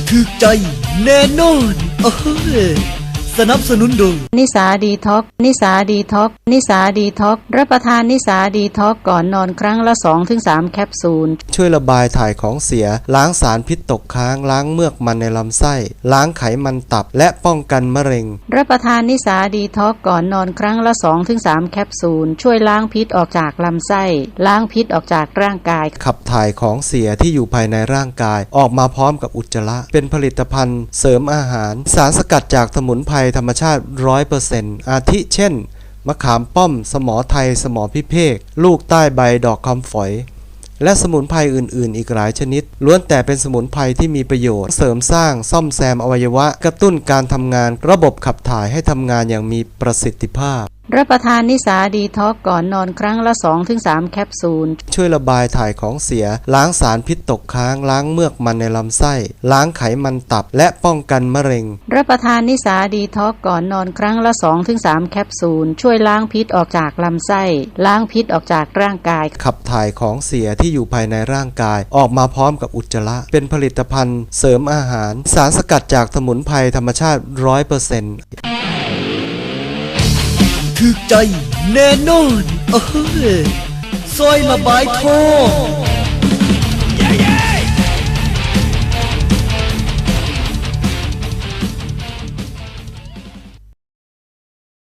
ถึกใจแน่นอนสนับสนุนโดยนิสาดีท็อกนิสาดีท็อกนิสาดีท็อกรับประทานนิสาดีท็อกก่อนนอนครั้งละ 2-3 แคปซูลช่วยระบายถ่ายของเสียล้างสารพิษตกค้างล้างเมือกมันในลำไส้ล้างไขมันตับและป้องกันมะเร็งรับประทานนิสาดีท็อกก่อนนอนครั้งละ 2-3 แคปซูลช่วยล้างพิษออกจากลำไส้ล้างพิษออกจากร่างกายขับถ่ายของเสียที่อยู่ภายในร่างกายออกมาพร้อมกับอุจจาระเป็นผลิตภัณฑ์เสริมอาหารสารสกัดจากสมุนไพรธรรมชาติ 100% อาทิเช่นมะขามป้อมสมอไทยสมอพิเภกลูกใต้ใบดอกคำฝอยและสมุนไพรอื่นๆอีกหลายชนิดล้วนแต่เป็นสมุนไพรที่มีประโยชน์เสริมสร้างซ่อมแซมอวัยวะกระตุ้นการทำงานระบบขับถ่ายให้ทำงานอย่างมีประสิทธิภาพรับประทานนิสาดีท็อกก่อนนอนครั้งละ 2-3 แคปซูลช่วยระบายถ่ายของเสียล้างสารพิษตกค้างล้างเมือกมันในลำไส้ล้างไขมันตับและป้องกันมะเร็งรับประทานนิสาดีท็อกก่อนนอนครั้งละ 2-3 แคปซูลช่วยล้างพิษออกจากลำไส้ล้างพิษออกจากร่างกายขับถ่ายของเสียที่อยู่ภายในร่างกายออกมาพร้อมกับอุจจาระเป็นผลิตภัณฑ์เสริมอาหารสารสกัดจากสมุนไพรธรรมชาติ 100% ถึกใจแน่นอนซอยระบายทอง